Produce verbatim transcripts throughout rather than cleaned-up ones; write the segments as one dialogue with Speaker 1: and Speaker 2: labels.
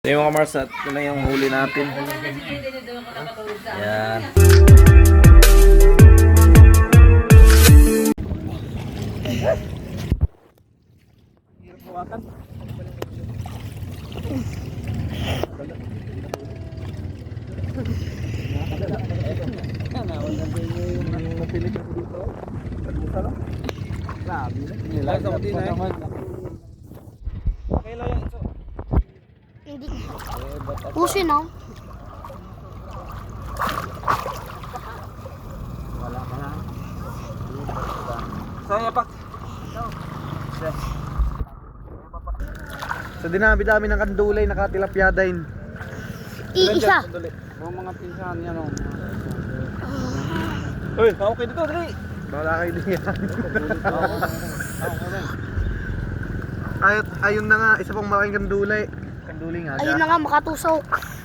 Speaker 1: So yung mga Mars, ito na yung huli natin. Yan.
Speaker 2: Hindi. Pusin no?
Speaker 1: Wala ka na. Saya pak. Sa dinami-dami ng kandulay, nakatilapya din.
Speaker 2: Iisa.
Speaker 1: Mga mga pinsan yan o. Uy, okay dito, dali. Wala kayo din yan. Ay, ayun na nga, isa pang malaking kandulay. Kandulay nga.
Speaker 2: Ayun na nga, makatusok.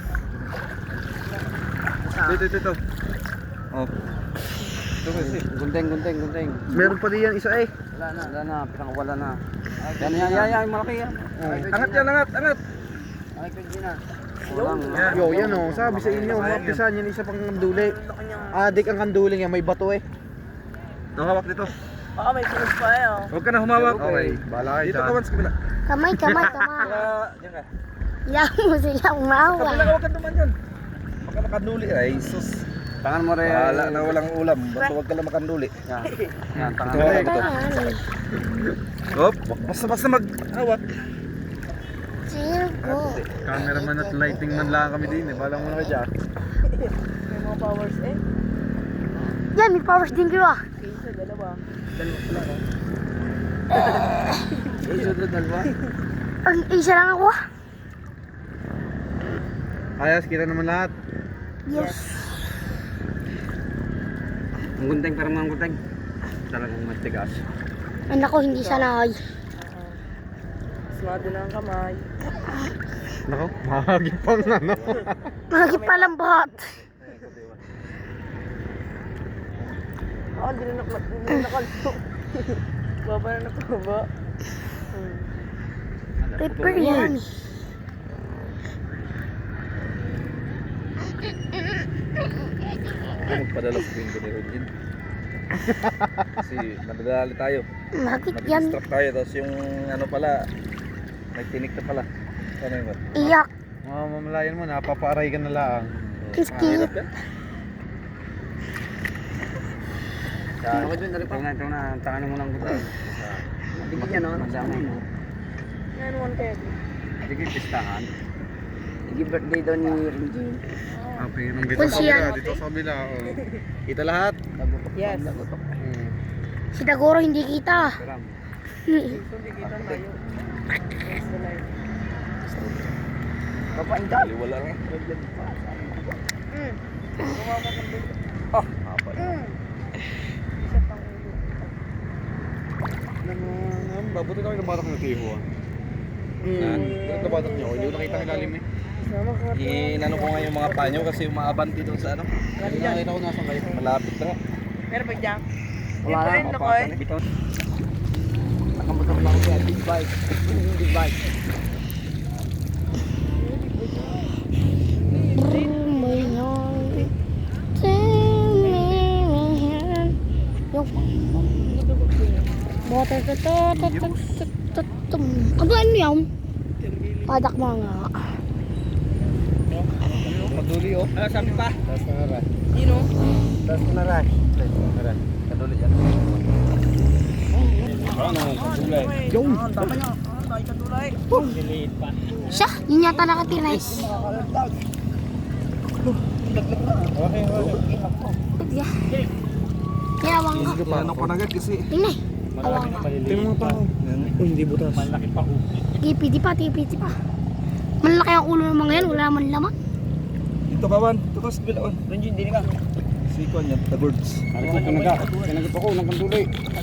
Speaker 1: Dito, dito, dito. Oh. Ito kasi.
Speaker 3: Gunting, gunting, gunting.
Speaker 1: Meron pa din yan isa eh.
Speaker 3: Wala na, wala na, pinang wala na. Yan, yan, yan, yan, malaki yan.
Speaker 1: Angat yan, angat, angat.
Speaker 3: Ay, pwede na.
Speaker 1: Yo, yan o. Sabi sa inyo, mapisan yan isa pang kandulay. Adik ang kandulay yan, may bato eh. Nakawak dito.
Speaker 4: Baka may tulos pa eh oh.
Speaker 1: Huwag ka na humawak. Okay, bala kayo dito. Dito ka man sa kabila.
Speaker 2: Kamay, kamay, kamay.
Speaker 1: Diyan ka.
Speaker 2: Yan mo silang mawa.
Speaker 1: Kabila ka, huwag ka naman yun. Baka makanduli. Ay, sus.
Speaker 3: Tangan mo rin.
Speaker 1: Wala na walang ulam. Basta huwag ka lang makanduli.
Speaker 3: Yan, yan, tangan
Speaker 1: Ito,
Speaker 3: mo.
Speaker 1: ito. Hop, basta basta maghawak.
Speaker 2: Circo.
Speaker 1: Cameraman at lighting man lang kami din eh. Balang muna ka dyan.
Speaker 4: May mga powers eh.
Speaker 2: Yan, may powers din kayo ah.
Speaker 4: Isa, dalawa. Dalawa pala no?
Speaker 3: Sunod, dalawa.
Speaker 2: Ang isa lang ako ah.
Speaker 1: Ayos, kita naman lahat.
Speaker 2: Yes.
Speaker 3: Ang gunting, parang mga gunting. Talagang matigas.
Speaker 2: Ay nako, hindi sanay.
Speaker 4: Smado na ang kamay.
Speaker 1: Nako, mahagi pang ano.
Speaker 2: Lagi palang bahat.
Speaker 4: Oo, hindi na nakal... Hindi na nakalso. Baba na nakaba. Hmm.
Speaker 2: Prepare yan.
Speaker 1: Magpadala sa pinto ni Rodin. Kasi nadadali tayo.
Speaker 2: Bakit yan?
Speaker 1: Nag-distract tayo. Tapos yung ano pala, may tinik na pala. Ano yun ba?
Speaker 2: Iyak.
Speaker 1: Mga mamalayan mo, napapaaray ka na lang.
Speaker 2: Kiskit.
Speaker 3: Ako dyan, dali pa. Ito na, tangan mo ng gunting. Tigil yan, no? Madami.
Speaker 4: Yan, one keg.
Speaker 3: Tigil, pistahan. Tigil birthday daw ni Renjin.
Speaker 1: Ah, pero dito
Speaker 2: Kung
Speaker 1: sa
Speaker 2: siya-
Speaker 1: kabila, dito sa kabila. Oh. Kita lahat.
Speaker 3: Lagutok.
Speaker 4: Yes.
Speaker 3: Lagutok.
Speaker 1: Hmm.
Speaker 2: Si Dagoro hindi kita.
Speaker 3: Karam.
Speaker 2: Hmm.
Speaker 4: So, di kita tayo. That's the life.
Speaker 3: Kapain ka.
Speaker 1: Wala lang.
Speaker 4: Hmm. Gumawa ka ng dulo.
Speaker 1: Ah, apa na.
Speaker 4: Hmm. Isa pang ulo.
Speaker 1: Babuti na kayo ng batak ng tiho ah.
Speaker 4: Hmm.
Speaker 1: Ito batak niyo, hindi ko nakita ang ilalim eh.
Speaker 4: Sama ka.
Speaker 1: Inano ko nga yung mga panyo kasi umaabanti doon sa ano.
Speaker 4: Lagi dyan.
Speaker 1: Nakita ko nasa kayo. Malapit na nga.
Speaker 4: Meron ba dyan?
Speaker 3: Wala
Speaker 4: Dito
Speaker 3: na,
Speaker 4: rin ako eh.
Speaker 3: mapatan. Bitaw. Nakamotor lang siya, big bike. Big bike.
Speaker 2: Bring me home. Tell me when. Yung water to to to to to to to. Ano ano yan? Padak mga.
Speaker 1: Maduli oh.
Speaker 3: Ano sabi pa?
Speaker 1: Tas na nga.
Speaker 4: Sino?
Speaker 1: Tas na nga. Tas na nga. Kaduli yan. Ano, kadulay.
Speaker 4: Yung. Ah, tama niya. Ah, tayo katulay.
Speaker 2: Siya, yun yata nakatirize.
Speaker 1: Okay, okay.
Speaker 2: Kaya awang ka.
Speaker 1: Ano ko na agad kasi.
Speaker 2: Tingnan. Awang ka.
Speaker 1: Tingnan mo pa ako. Uy, hindi butas. Malaki pa ako.
Speaker 2: Tipiti pa, tipiti pa. Malaki ang ulo ng mga yan, wala man laman.
Speaker 1: Dito kawan. Dito ka sa bilawan.
Speaker 3: Renjin, dini ka.
Speaker 1: Sikon yan, the birds.
Speaker 3: Ano ka kanaga? Kanaga pa ko, ng kanduloy.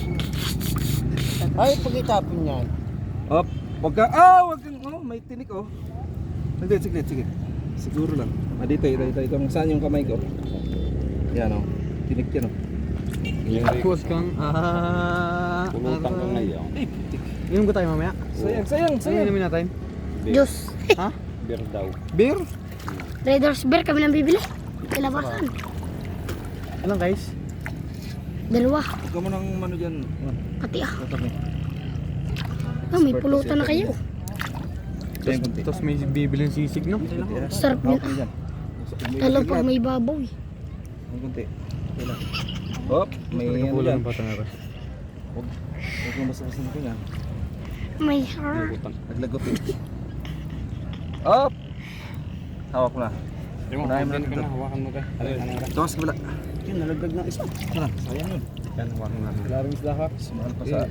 Speaker 1: Ay, pag-itapon yan. Op, wag ka. Ah, wag kang. Oh, may tinik oh. Sige, sige, sige. Siguro lang. Ah, dito, ito, ito, ito. Saan yung kamay ko? Yan oh. Tinik yan oh. Tapos kang ah.
Speaker 3: Pulutan kang ngayon.
Speaker 1: Ay, putik.
Speaker 5: Inom ko tayo mamaya.
Speaker 1: Sayang, sayang,
Speaker 5: Ano
Speaker 1: sayang.
Speaker 5: inumin natin?
Speaker 2: Diyos.
Speaker 5: Ha?
Speaker 3: Beer daw.
Speaker 1: Beer?
Speaker 2: Raiders Bear kami nang bibili. Kilabasan.
Speaker 3: Anong guys?
Speaker 2: Dalawa.
Speaker 1: Huwag ka mo ng ano dyan.
Speaker 2: Pati ah.
Speaker 1: Tatami.
Speaker 2: Ah, may pulutan na kayo.
Speaker 1: Diyan kunti.
Speaker 3: Tapos may bibiling sisig, no?
Speaker 2: Sarap yun.
Speaker 1: Okay dyan.
Speaker 2: Lalo pag may babaw eh.
Speaker 1: Ang kunti. Okay lang. Hop, may ano dyan. Huwag huwag kang basta-basta nito yan.
Speaker 2: May heart.
Speaker 1: Naglagot eh. Hop! Hawak mo na. Unahin mo na dito.
Speaker 3: Hawakan mo ka.
Speaker 1: Ito sa kabila.
Speaker 3: Yun, nalagdag ng isa.
Speaker 1: Tara, sayang yun.
Speaker 3: Yan, hawakan mo na. Larong isla ha.
Speaker 1: Sumahal pa sa...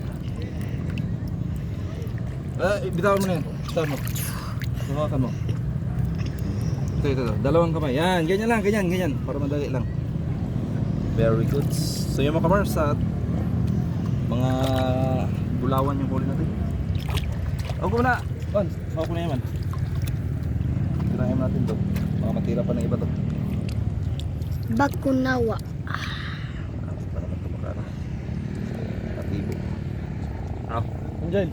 Speaker 1: Eh, bitawan mo na yan. Bitawan mo. Hawakan mo. Ito, ito, ito. Dalawang kamay. Yan, ganyan lang, ganyan, ganyan. Para madali lang. Very good. So yung mga kamars at mga bulawan yung huli natin. Huwag ko na. Man, hawak ko na yan man. Tirahin natin to. Baka matira pa ng iba to.
Speaker 2: Bakunawa.
Speaker 1: Para magtumakara. Katibo.
Speaker 3: Ah, andyan.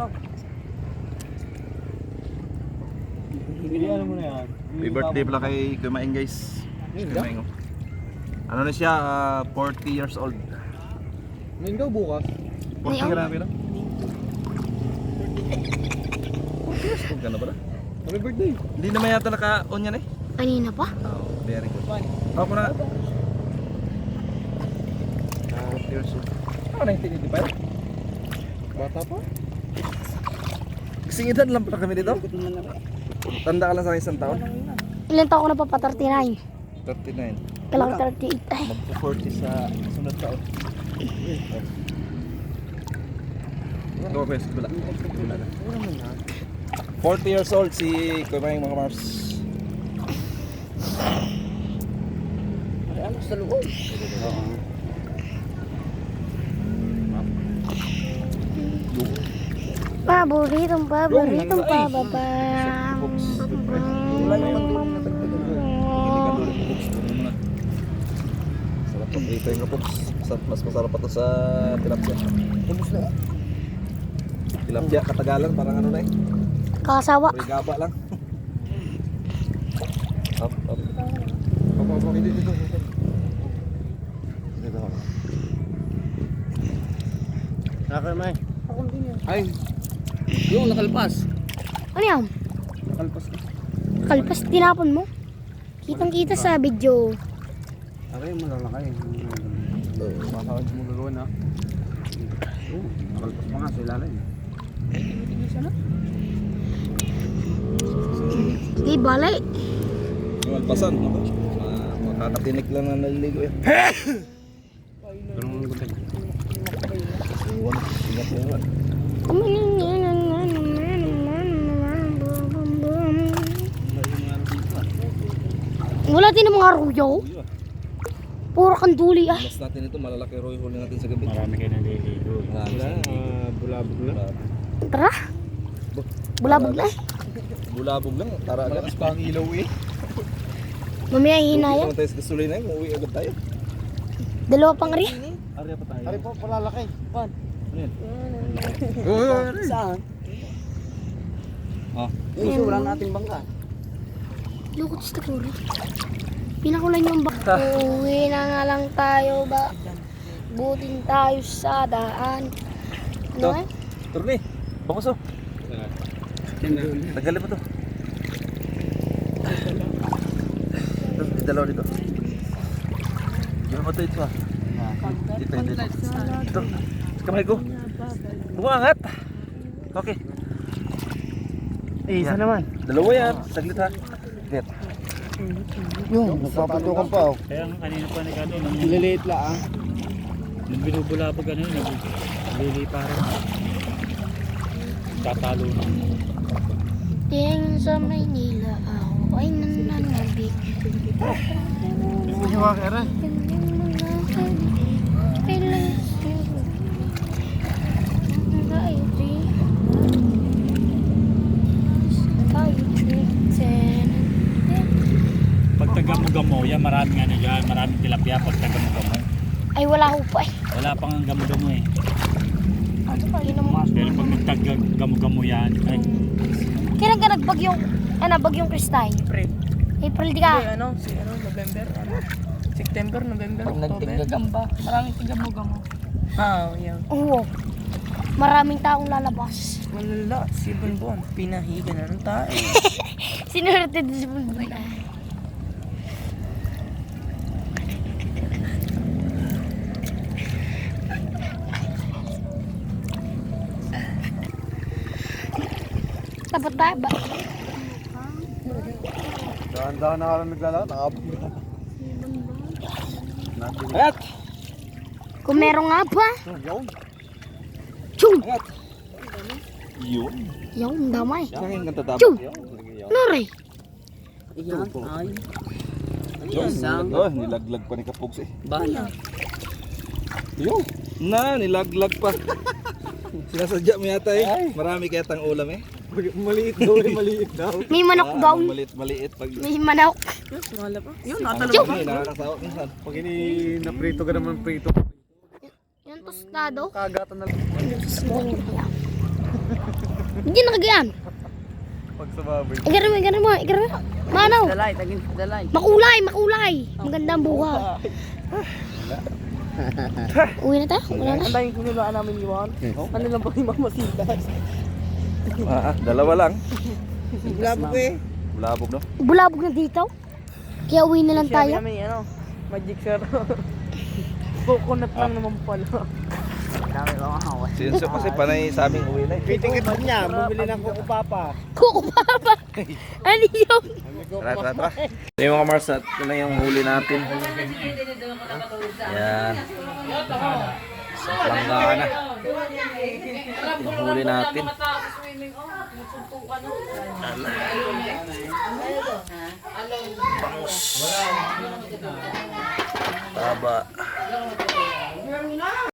Speaker 3: Bilihan mo na yan.
Speaker 1: Happy birthday pala kay Kumain guys. Kumain ko. Ano na siya, ah, forty years old.
Speaker 3: Ngayon daw bukas.
Speaker 1: forty
Speaker 2: Ngayon?
Speaker 1: grabe lang. forty years old ka na pala?
Speaker 3: Happy birthday.
Speaker 1: Hindi naman yata naka-on yan eh.
Speaker 2: Kanina pa?
Speaker 1: Oh, very good. Ako na. forty years old. Ako nineteen eighty-five.
Speaker 3: Bata pa?
Speaker 1: Kasing edad lang pala kami dito. Tanda ka lang sa akin isang taon.
Speaker 2: Ilan taon ko na pa pa thirty-nine?
Speaker 1: thirty-nine.
Speaker 2: Kailangan thirty-eight. Ay,
Speaker 1: Magpo-forty sa sunod taon. Go, best. Wala. Wala na. forty years old si Kumain mga Mars.
Speaker 4: Ano sa loob?
Speaker 3: Oo.
Speaker 2: paboritong paboritong pababa.
Speaker 1: Wala yung pangdulo na tagtagal. Hindi ka dulo ng books. Ano muna. Sarap pang rito yung books. Mas masarap pa to sa tilapia.
Speaker 3: Ubus na.
Speaker 1: Tilapia, katagalan, parang ano na eh.
Speaker 2: Kasawa.
Speaker 1: Rigaba lang. Up, up. Up, up, up. Dito, dito, dito. Dito ako.
Speaker 3: Nakakay, May.
Speaker 4: Akong din yan.
Speaker 3: Ay. Yung nakalpas.
Speaker 2: Ano yan?
Speaker 3: Nakalpas na.
Speaker 2: Kalpas tinapon mo? Kitang kita sa video.
Speaker 3: Aray, malalakay. Makakawad mo gagawa na. Oo, nakalpas pa nga sa ilalim.
Speaker 2: Sige, balay.
Speaker 1: Yung alpasan, ako. Ma- Makakatinik lang na naliligo yan.
Speaker 3: Ganun ang gutin.
Speaker 1: Iwan, ingat mo iwan.
Speaker 2: Wala din ng mga ruyaw.
Speaker 1: Uy, ah.
Speaker 2: Puro kanduli ay.
Speaker 1: Mas natin ito, malalaki roy huli natin sa gabi.
Speaker 3: Marami kayo naliligo.
Speaker 1: Marami sa gabi.
Speaker 3: bulabog na.
Speaker 2: Tara. Bulabog na eh.
Speaker 1: Bulabog lang, tara agad. Mas pang ilaw eh.
Speaker 2: Mamaya
Speaker 1: Hindi
Speaker 2: hihina yan.
Speaker 1: naman tayo sa gasolina eh, uuwi agad tayo.
Speaker 2: Dalawa pang ari.
Speaker 1: Arya pa tayo.
Speaker 3: Ari po, palalaki. Pan.
Speaker 1: Ano yan?
Speaker 3: Saan?
Speaker 1: Ah,
Speaker 3: Yung isa, wala nating bangka.
Speaker 2: Lukot sa takuro. Pinakulan yung bak. Uwi na nga lang tayo ba? Butin tayo sa daan. Ano
Speaker 1: Ito.
Speaker 2: eh?
Speaker 1: Turni, fokus oh.
Speaker 3: Yan na.
Speaker 1: Tagalin mo to. Ito, di dalawa dito. Gano'n ba ito ito ah? Dito, dito. Ito, sa kamay ko. Bumangat. Okay.
Speaker 3: Eh, isa naman.
Speaker 1: Dalawa yan, saglit ha. Saglit.
Speaker 3: Yung, nagpapatukan pa oh.
Speaker 5: Kaya nga kanina pa ni Kado, nang
Speaker 3: Liliit lang.
Speaker 5: nang binubulabog ano yun, nagliliparan. Tatalo na.
Speaker 2: Tingin sa Maynila ako ay nananabik.
Speaker 3: Hindi mo kaya
Speaker 5: Pag taga-gamo, yan maraming ano yan, maraming tilapia pag taga-gamo.
Speaker 2: Ay wala ho pa eh.
Speaker 5: Wala pang ang gamo-gamo eh.
Speaker 2: Ano pa? Yun ang mga...
Speaker 5: Pero pag nagtaga-gamo-gamo yan, ay,
Speaker 2: Kailan ka nagbagyo? Ano, bagyong Christine?
Speaker 4: April.
Speaker 2: April di
Speaker 4: Hindi,
Speaker 2: ka.
Speaker 4: ano, si ano, November, ano. September, November, October.
Speaker 6: Gamba. Maraming tigamo-gamo.
Speaker 4: Ah, yan.
Speaker 2: Oo. Maraming taong lalabas.
Speaker 4: Malala, si Bonbon. Pinahiga na ng tayo.
Speaker 2: Sinurte din si Bulbul. Dapat tayo ba?
Speaker 3: Dahan-dahan na ka lang naglalakad, nakabog na.
Speaker 1: Ayat!
Speaker 2: Kung meron nga ba?
Speaker 3: Yun.
Speaker 2: Chung!
Speaker 1: Ayat! Yun.
Speaker 2: Yung damay.
Speaker 1: Saan kang tatabak?
Speaker 2: Chung!
Speaker 1: Yun.
Speaker 2: Nore!
Speaker 4: Yan, ay.
Speaker 1: Yun. Oh, nilaglag pa ni Kapugs eh.
Speaker 4: Bala.
Speaker 1: Yun. Na, nilaglag pa. Sinasadya mo yata eh. Marami kaya tang ulam eh.
Speaker 3: Maliit daw eh, maliit daw.
Speaker 2: May manok
Speaker 1: Ah,
Speaker 2: daw.
Speaker 1: maliit, maliit. Pag
Speaker 2: May manok.
Speaker 4: Yes, wala pa. Yun,
Speaker 1: Ang
Speaker 4: natalong
Speaker 1: dami,
Speaker 4: pa.
Speaker 1: nakakasawa minsan.
Speaker 3: Pag ini naprito ka naman prito,
Speaker 2: Yung tostado.
Speaker 3: kagatan na lang.
Speaker 2: Hindi nakagayan.
Speaker 3: Pag sa baboy.
Speaker 2: Igarami mo, igarami mo, igarami mo. Manaw.
Speaker 4: Dalay, tagin, dalay.
Speaker 2: Makulay, makulay. Magandang buhay. Uwi na tayo? Wala na.
Speaker 4: Ang daming kunilaan namin iwan. Ano lang ba yung mamasitas?
Speaker 1: Ah, ah, dalawa lang.
Speaker 4: Labog eh.
Speaker 1: Bulabog no?
Speaker 2: Bulabog na dito. Kaya uwi na lang
Speaker 4: Sabi
Speaker 2: tayo.
Speaker 4: namin, ano, magic sir. Coconut lang naman pala. Dami ba mga
Speaker 1: Sinso kasi panay sa aming uwi na eh.
Speaker 3: Pitingit niya, bumili ng Coco Papa.
Speaker 2: Kuko papa. Ano yun?
Speaker 1: Tara, tara, tara. Ito yung mga Mars at ito na yung huli natin. Yan. Sa palangga na. Yung huli natin. Bangus. Taba.